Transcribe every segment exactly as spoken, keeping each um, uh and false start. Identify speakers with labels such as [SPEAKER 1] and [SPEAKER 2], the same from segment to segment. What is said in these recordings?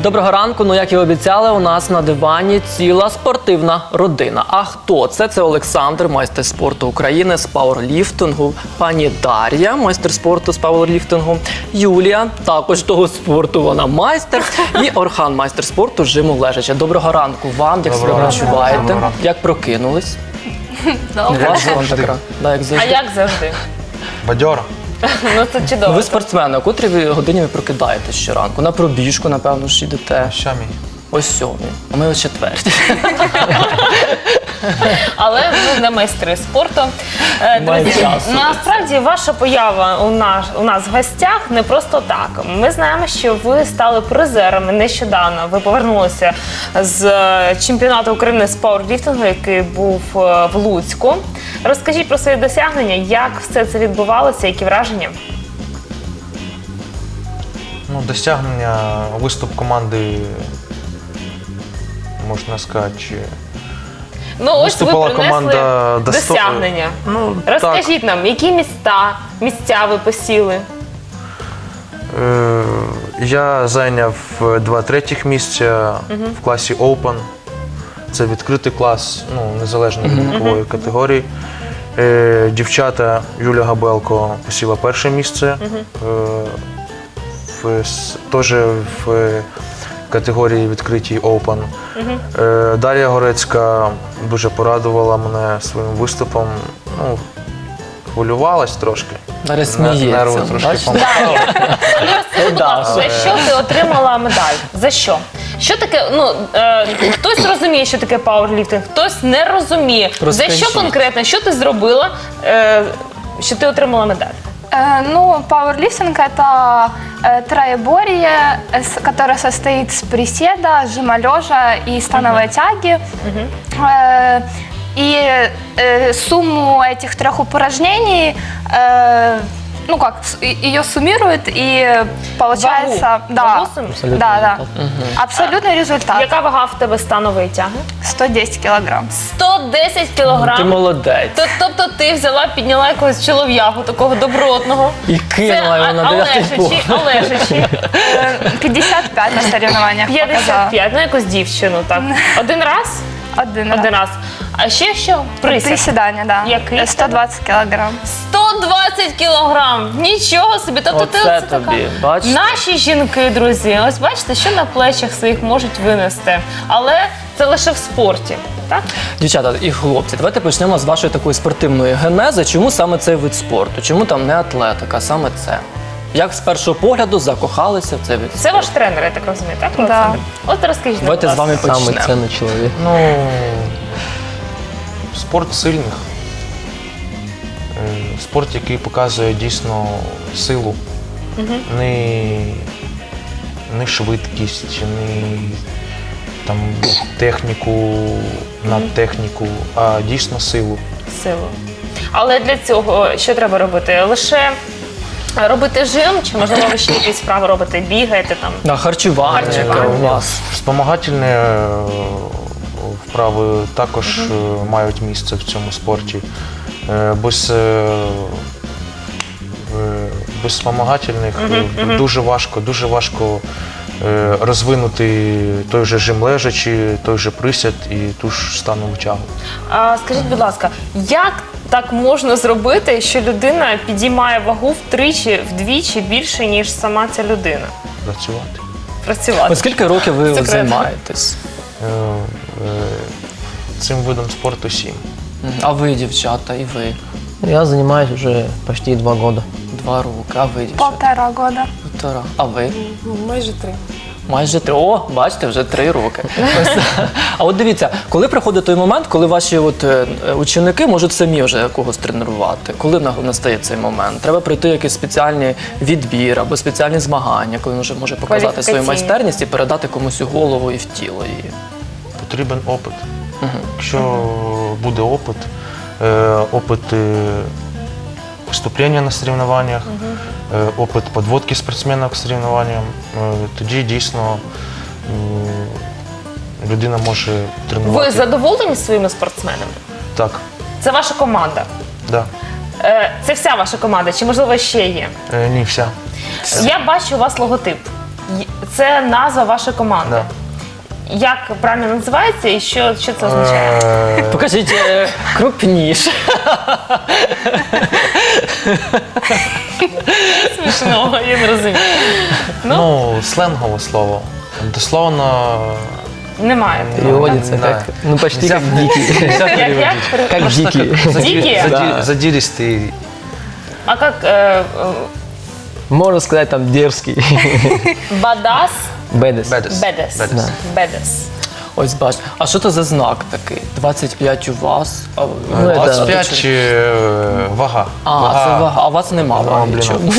[SPEAKER 1] Доброго ранку. Ну, як і обіцяли, у нас на дивані ціла спортивна родина. А хто це? Це Олександр, майстер спорту України з пауерліфтингу, пані Дар'я, майстер спорту з пауерліфтингу, Юлія, також того спорту, вона майстер, і Орхан, майстер спорту з жиму лежача. Доброго ранку вам, як себе почуваєте? Як прокинулись?
[SPEAKER 2] Добре.
[SPEAKER 1] Да, як
[SPEAKER 2] А
[SPEAKER 1] завжди.
[SPEAKER 2] як завжди?
[SPEAKER 3] Бадьора.
[SPEAKER 2] Ну це чудово.
[SPEAKER 1] Ви спортсмени, о котрій ви годині ви прокидаєтесь щоранку? На пробіжку, напевно, ж йдете.
[SPEAKER 3] Сьомій.
[SPEAKER 1] Ось сьомій, а ми о четвертій.
[SPEAKER 2] Але ви не майстри спорту. Е,
[SPEAKER 1] Має
[SPEAKER 2] Друзі,
[SPEAKER 1] часу.
[SPEAKER 2] насправді ваша поява у нас, у нас в гостях не просто так. Ми знаємо, що ви стали призерами нещодавно. Ви повернулися з е, чемпіонату України з пауерліфтингу, який був е, в Луцьку. Розкажіть про свої досягнення, як все це відбувалося, які враження?
[SPEAKER 3] Ну, досягнення, виступ команди, можна сказати, чи...
[SPEAKER 2] Ну, ось ви
[SPEAKER 3] Виступала
[SPEAKER 2] принесли
[SPEAKER 3] команда до сто-
[SPEAKER 2] досягнення.
[SPEAKER 3] Ну,
[SPEAKER 2] Розкажіть нам, які міста, місця ви посіли?
[SPEAKER 3] Е, Я зайняв два третіх місця в класі Open. Це відкритий клас, ну, незалежно від вікової категорії. Е, Дівчата Юля Габелко посіла перше місце. Е, в, с- теж в категорії відкритій Open. Е, Дар'я Горецька дуже порадувала мене своїм виступом. Ну, хвилювалась трошки.
[SPEAKER 1] Дар'я
[SPEAKER 3] Нерви
[SPEAKER 1] сміється.
[SPEAKER 3] трошки
[SPEAKER 1] бачите?
[SPEAKER 3] помагали.
[SPEAKER 2] Розкажи, будь ласка, за що ти отримала медаль? За що? Що таке, ну, е, хтось розуміє, що таке пауерліфтинг, хтось не розуміє.
[SPEAKER 1] Розкажіть.
[SPEAKER 2] За що конкретно, що ти зробила, е, що ти отримала медаль?
[SPEAKER 4] Э, Ну, пауэрлифтинг – это э, троеборье, э, с- которое состоит из приседа, жима лежа и становой тяги. Э, И э, сумму этих трех упражнений, э, ну как, с- и- ее суммируют, и получается…
[SPEAKER 2] Вагу.
[SPEAKER 4] Да,
[SPEAKER 2] Вагу суммируют?
[SPEAKER 4] да, да. Абсолютный результат
[SPEAKER 2] Яка вага в тебе станової тяги?
[SPEAKER 4] – сто десять килограмм.
[SPEAKER 2] сто десять
[SPEAKER 1] Ти
[SPEAKER 2] кілограм.
[SPEAKER 1] молодець.
[SPEAKER 2] Т- Тобто ти взяла, підняла якогось чолов'ягу, такого добротного.
[SPEAKER 1] І кинула його на дев'ятий
[SPEAKER 2] Олешичі,
[SPEAKER 1] поверх.
[SPEAKER 2] Олешичі.
[SPEAKER 4] Э, пятьдесят пять на соревнованиях
[SPEAKER 2] п'ятдесят
[SPEAKER 4] показала.
[SPEAKER 2] п'ять, ну якусь дівчину, так. Один раз?
[SPEAKER 4] Один раз.
[SPEAKER 2] Один раз. А ще що? Присід.
[SPEAKER 4] Приседания, да.
[SPEAKER 2] Який?
[SPEAKER 4] Э, сто двадцать килограмм.
[SPEAKER 2] сто двадцять кілограм! Нічого собі! Тобто ти
[SPEAKER 1] Оце
[SPEAKER 2] оце така.
[SPEAKER 1] тобі, бачите?
[SPEAKER 2] Наші жінки, друзі, ось бачите, що на плечах своїх можуть винести. Але це лише в спорті, так?
[SPEAKER 1] Дівчата і хлопці, давайте почнемо з вашої такої спортивної генези. Чому саме цей вид спорту? Чому там не атлетика, саме це? Як з першого погляду закохалися в цей вид
[SPEAKER 2] Це
[SPEAKER 1] спорту?
[SPEAKER 2] ваш тренер, я так розумію, так,
[SPEAKER 4] Да.
[SPEAKER 2] Олександр? От розкажіть нам,
[SPEAKER 1] Давайте
[SPEAKER 2] будь
[SPEAKER 1] з
[SPEAKER 2] ласка.
[SPEAKER 1] вами
[SPEAKER 5] Самый
[SPEAKER 1] почнемо.
[SPEAKER 5] ценный человек.
[SPEAKER 3] Ну, спорт сильних. Е, Спорт, який показує дійсно силу. Не, не швидкість, не там, техніку, надтехніку, а дійсно силу.
[SPEAKER 2] Силу. Але для цього що треба робити? Лише робити жим, чи можливо ви ще якісь справи робите, бігаєте там?
[SPEAKER 1] На харчування,
[SPEAKER 2] Харчування.
[SPEAKER 1] яке у вас.
[SPEAKER 3] Спомагательні е, вправи також е, мають місце в цьому спорті. Е, Без, е, е, без спомагательних е, дуже важко, дуже важко е, розвинути той же жим лежачі, той же присід і ту ж станову тягу.
[SPEAKER 2] А, скажіть, будь ласка, як так можна зробити, що людина підіймає вагу втричі, вдвічі більше, ніж сама ця людина?
[SPEAKER 3] Працювати.
[SPEAKER 2] Працювати.
[SPEAKER 1] От скільки років ви
[SPEAKER 2] Секретно.
[SPEAKER 1] займаєтесь?
[SPEAKER 3] Е, е, Цим видом спорту сім.
[SPEAKER 1] Мгм. А ви, дівчата, і ви?
[SPEAKER 5] Я занимаюсь уже почти два года.
[SPEAKER 1] Два роки. А ви, дівчата?
[SPEAKER 4] Полтора года.
[SPEAKER 1] Півтора. А ви?
[SPEAKER 2] Майже три.
[SPEAKER 1] Майже три. О, бачите, вже три роки. Ось. А от дивіться, коли приходить той момент, коли ваші от, е, ученики можуть самі вже когось тренувати? Коли на- настає цей момент? Треба пройти якийсь спеціальний відбір або спеціальні змагання, коли він вже може показати свою
[SPEAKER 2] Кваліфікаційні.
[SPEAKER 1] майстерність і передати комусь у голову і в тіло її.
[SPEAKER 3] Потрібен опит. Якщо буде опит, е, опит е, виступлення на соревнованнях, е, опит підводки спортсмена к соревнованням, е, тоді дійсно м, людина може
[SPEAKER 2] Ви
[SPEAKER 3] тренувати.
[SPEAKER 2] задоволені своїми спортсменами?
[SPEAKER 3] Так,
[SPEAKER 2] Це ваша команда.
[SPEAKER 3] да.
[SPEAKER 2] Е, Це вся ваша команда, чи можливо ще є?
[SPEAKER 3] Е, Ні, вся.
[SPEAKER 2] Я бачу у вас логотип. Й- Це назва вашої команди.
[SPEAKER 3] Да.
[SPEAKER 2] Як правильно називається і що, що це означає?
[SPEAKER 3] Е,
[SPEAKER 1] Покажіть е, крупніше.
[SPEAKER 2] Смішного, я не розумію.
[SPEAKER 3] Ну, сленгове слово. Дословно.
[SPEAKER 2] Немає.
[SPEAKER 5] Переводится
[SPEAKER 3] да.
[SPEAKER 5] как, ну почти
[SPEAKER 3] Нельзя-
[SPEAKER 5] как дикий.
[SPEAKER 3] Нельзя
[SPEAKER 2] Як, як?
[SPEAKER 3] переводить.
[SPEAKER 5] Как дикий.
[SPEAKER 2] Дикі?
[SPEAKER 3] Зади- Задиристый.
[SPEAKER 2] А як е, е,
[SPEAKER 5] Можно сказать там дерзкий.
[SPEAKER 2] бадас?
[SPEAKER 5] Бедес.
[SPEAKER 3] Бедес.
[SPEAKER 2] Бедес.
[SPEAKER 3] Бедес.
[SPEAKER 2] Бедес.
[SPEAKER 1] Ось бач. А що це за знак такий? двадцять п'ять у вас. А,
[SPEAKER 5] Ну,
[SPEAKER 1] у вас
[SPEAKER 5] це-
[SPEAKER 3] двадцять п'ять е, вага.
[SPEAKER 1] А, це вага. А у вас нема
[SPEAKER 3] О,
[SPEAKER 1] ваги.
[SPEAKER 3] блін.
[SPEAKER 1] чому?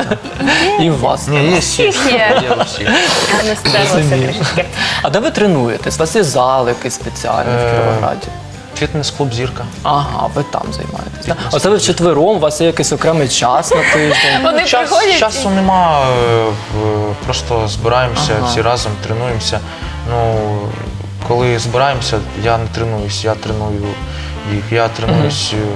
[SPEAKER 1] І у вас.
[SPEAKER 3] Ні, є всі.
[SPEAKER 4] Є.
[SPEAKER 3] Є всі.
[SPEAKER 2] Не стерлося трішечки.
[SPEAKER 1] А де ви тренуєтесь? У вас є зал якийсь спеціальний в
[SPEAKER 3] Е,
[SPEAKER 1] Кіровограді?
[SPEAKER 3] Фітнес-клуб «Зірка».
[SPEAKER 1] Ага, ви там займаєтесь. так? Оце ви вчетвером, у вас є якийсь окремий час на тиждень.
[SPEAKER 2] Вони
[SPEAKER 3] Час,
[SPEAKER 2] приходять.
[SPEAKER 3] часу нема, е, в- просто збираємося
[SPEAKER 1] Ага.
[SPEAKER 3] всі разом, тренуємося. Ну, коли збираємося, я не тренуюсь, я треную їх, я тренуюсь е,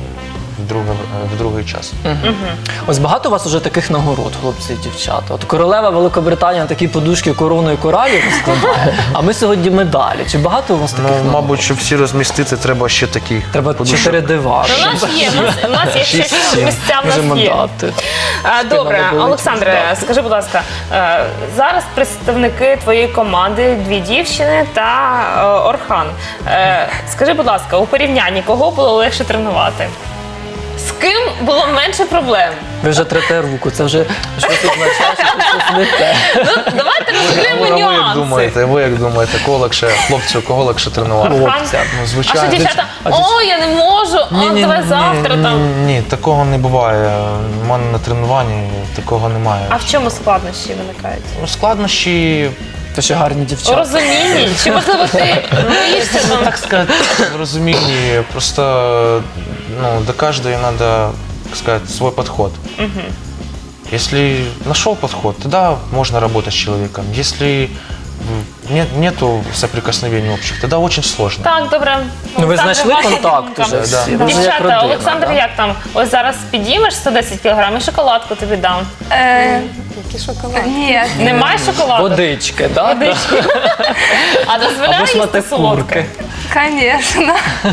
[SPEAKER 3] в, друге, в другий час.
[SPEAKER 1] Ось багато у вас уже таких нагород, хлопці і дівчата. От королева Великобританії на такі подушки короною коралів розкладає, а ми сьогодні медалі. Чи багато у вас таких
[SPEAKER 3] Ну,
[SPEAKER 1] нагород?
[SPEAKER 3] мабуть, щоб всі розмістити, треба ще таких
[SPEAKER 1] Треба
[SPEAKER 3] подушок.
[SPEAKER 1] чотири дивани.
[SPEAKER 2] У нас є, у нас, у нас є ще
[SPEAKER 3] Шість-сім.
[SPEAKER 2] місця, в
[SPEAKER 1] Можемо
[SPEAKER 2] нас є.
[SPEAKER 1] дати.
[SPEAKER 2] А, Добре,
[SPEAKER 1] Спина болить,
[SPEAKER 2] Олександре,
[SPEAKER 1] здати.
[SPEAKER 2] скажи, будь ласка, е, зараз представники твоєї команди, дві дівчини та е, Орхан. Е, Скажи, будь ласка, у порівнянні кого було легше тренувати? З ким було менше проблем?
[SPEAKER 1] Ви вже трете руку, це вже щось означає, що це щось не те.
[SPEAKER 2] Ну, давайте розкриємо
[SPEAKER 3] А ви як
[SPEAKER 2] нюанси.
[SPEAKER 3] думаєте, ви як думаєте, кого легше, хлопцю, кого легше тренувати?
[SPEAKER 2] Орхан?
[SPEAKER 1] Хлопця.
[SPEAKER 3] Ну,
[SPEAKER 2] А
[SPEAKER 3] звичайно.
[SPEAKER 2] що дівчата?
[SPEAKER 1] А дівч-
[SPEAKER 2] О, я не можу, о, давай завтра
[SPEAKER 3] ні,
[SPEAKER 2] там.
[SPEAKER 3] Ні, ні, такого не буває. У мене на тренуванні такого немає.
[SPEAKER 2] А в чому складнощі виникають?
[SPEAKER 3] Ну, складнощі,
[SPEAKER 1] Це ще гарні
[SPEAKER 2] У
[SPEAKER 1] дівчата.
[SPEAKER 2] розумінні? Чи можливо ти боїшся там?
[SPEAKER 3] так сказати, в разумении, просто ну, до каждой надо, так сказать, свой подход. Если нашел подход, тогда можно работать с человеком. Если м, нет, нету соприкосновений общих, тогда очень сложно.
[SPEAKER 2] Так, добре.
[SPEAKER 1] Ну ви
[SPEAKER 2] Олександре,
[SPEAKER 1] знайшли
[SPEAKER 2] ваша
[SPEAKER 1] контакт
[SPEAKER 2] думка.
[SPEAKER 1] уже всі?
[SPEAKER 3] Да.
[SPEAKER 1] Ви вже як
[SPEAKER 2] Дівчата,
[SPEAKER 1] родина,
[SPEAKER 2] Олександр,
[SPEAKER 1] да?
[SPEAKER 2] як там? Ось зараз підіймеш сто десять кілограм і шоколадку тобі дам.
[SPEAKER 4] Э, Нет.
[SPEAKER 2] Немає шоколаду?
[SPEAKER 1] Водички, так?
[SPEAKER 2] Водички. А
[SPEAKER 1] Або
[SPEAKER 2] дозволяє їсти
[SPEAKER 1] шматок
[SPEAKER 2] солодке?
[SPEAKER 1] курки.
[SPEAKER 4] Конечно.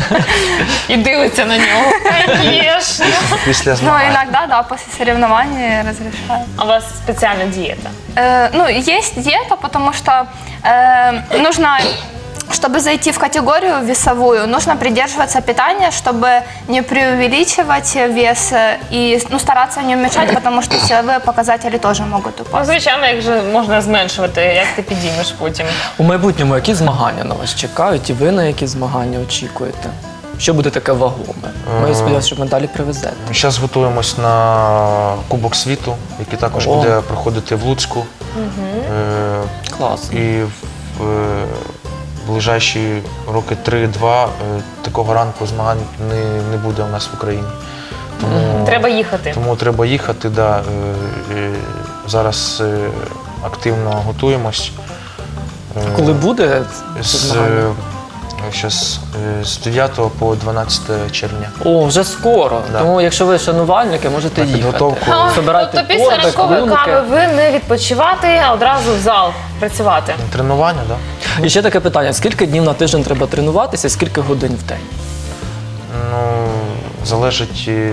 [SPEAKER 2] І дивиться на нього. Звісно.
[SPEAKER 3] Після
[SPEAKER 4] Но
[SPEAKER 3] змагань.
[SPEAKER 4] иногда, да, после соревнований разрешаю.
[SPEAKER 2] А у вас спеціальна дієта?
[SPEAKER 4] Э, ну, есть диета, потому что э, нужно, чтобы зайти в категорию весовую, нужно придерживаться питания, чтобы не преувеличивать вес э, и ну, стараться не уменьшать, потому что силовые показатели тоже могут
[SPEAKER 2] Ну,
[SPEAKER 4] упасть.
[SPEAKER 2] звичайно, як же можна зменшувати, як ти підіймеш потім?
[SPEAKER 1] У майбутньому які змагання на вас чекають і ви на які змагання очікуєте? Що буде таке вагоме? Ми сподіваємося, що медалі привезете.
[SPEAKER 3] Зараз готуємось на Кубок світу, який також
[SPEAKER 1] О.
[SPEAKER 3] буде проходити в Луцьку. Е,
[SPEAKER 1] Класно.
[SPEAKER 3] І в е, ближайші роки три-два е, такого ранку змагань не, не буде у нас в Україні. Тому
[SPEAKER 2] Треба їхати.
[SPEAKER 3] Тому треба їхати. Да. Е, е, Зараз е, активно готуємось. Е,
[SPEAKER 1] Коли буде це
[SPEAKER 3] З,
[SPEAKER 1] змагання?
[SPEAKER 3] е, щас, е, з дев'ятого по дванадцяте червня.
[SPEAKER 1] О, вже скоро.
[SPEAKER 3] Да.
[SPEAKER 1] Тому якщо ви шанувальники, можете
[SPEAKER 3] На
[SPEAKER 1] їхати.
[SPEAKER 3] підготовку.
[SPEAKER 1] Собирайте
[SPEAKER 2] Тобто після
[SPEAKER 1] торби,
[SPEAKER 2] ранкової
[SPEAKER 1] клунки.
[SPEAKER 2] кави ви не відпочивати, а одразу в зал працювати.
[SPEAKER 3] Тренування, так? Да?
[SPEAKER 1] І ще таке питання: скільки днів на тиждень треба тренуватися, скільки годин в день?
[SPEAKER 3] Ну, залежить е,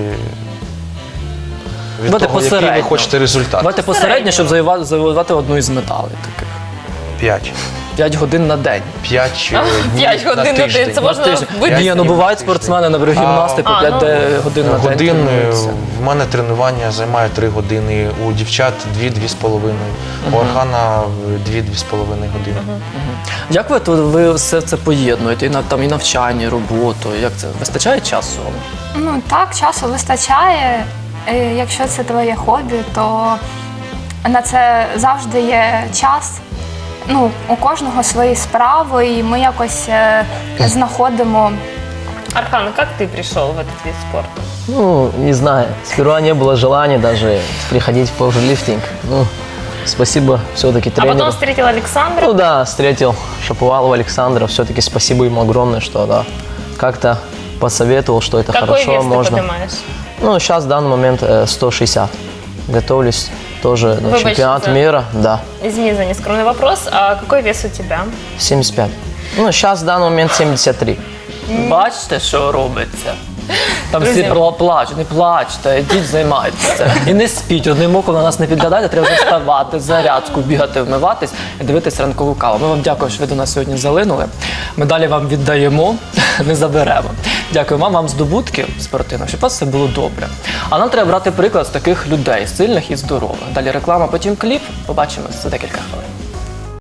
[SPEAKER 3] від
[SPEAKER 1] Давайте
[SPEAKER 3] того, який ви
[SPEAKER 1] посередньо.
[SPEAKER 3] хочете результат.
[SPEAKER 1] Давайте посередньо, щоб завоювати, завоювати одну із медалей таких.
[SPEAKER 3] П'ять.
[SPEAKER 1] П'ять годин на день.
[SPEAKER 3] П'ять е, днів
[SPEAKER 2] П'ять годин на
[SPEAKER 3] тиждень.
[SPEAKER 2] день. Це
[SPEAKER 1] На
[SPEAKER 2] можна
[SPEAKER 1] тиждень.
[SPEAKER 2] вибити.
[SPEAKER 1] Ні, ну бувають спортсмени, наприклад, гімнасти по
[SPEAKER 2] А,
[SPEAKER 1] п'ять
[SPEAKER 2] ну,
[SPEAKER 1] де- годин на день
[SPEAKER 3] Годин, е,
[SPEAKER 1] тренуються.
[SPEAKER 3] в мене тренування займає три години, у дівчат дві-дві з половиною, у Архана дві-дві з половиною години.
[SPEAKER 1] Як ви, то ви все це поєднуєте? І, на- там, і навчання, і роботу? Як це? Вистачає часу вам?
[SPEAKER 4] Ну так, часу вистачає. Е, Якщо це твоє хобі, то на це завжди є час. Ну, у кожного свої справи, і ми якось е, знаходимо.
[SPEAKER 2] Архан, як ти прийшов в этот вид спорту?
[SPEAKER 5] Ну, не знаю. Сперва не было желания даже приходить в пауэрлифтинг. Ну, спасибо все-таки
[SPEAKER 2] А
[SPEAKER 5] тренеру.
[SPEAKER 2] потім встретил Олександра.
[SPEAKER 5] Ну да, встретил Шаповалова Александра. Все-таки спасибо ему огромное, что да, как-то посоветовал, что это
[SPEAKER 2] Какой
[SPEAKER 5] хорошо,
[SPEAKER 2] вес ты
[SPEAKER 5] можно.
[SPEAKER 2] поднимаешь?
[SPEAKER 5] Ну, сейчас в данный момент э, сто шестьдесят. Готовлюсь тоже на
[SPEAKER 2] Выбачь
[SPEAKER 5] чемпионат
[SPEAKER 2] за-
[SPEAKER 5] мира, да,
[SPEAKER 2] Извини за нескромный вопрос. А какой вес у тебя?
[SPEAKER 5] семьдесят пять. Ну, сейчас в данный момент семьдесят три.
[SPEAKER 1] Бачите, що робиться? Там всі
[SPEAKER 2] Друзі.
[SPEAKER 1] пла- плачуть, не плачте, йдіть займайтеся. І не спіть, одним оком на нас не підглядайте, треба вже вставати, зарядку, бігати, вмиватись і дивитись ранкову каву. Ми вам дякуємо, що ви до нас сьогодні залинули. Медалі вам віддаємо, не заберемо. Дякую вам, вам здобутків спортивних, щоб у вас все було добре. А нам треба брати приклад з таких людей, сильних і здорових. Далі реклама, потім кліп. Побачимось за декілька хвилин.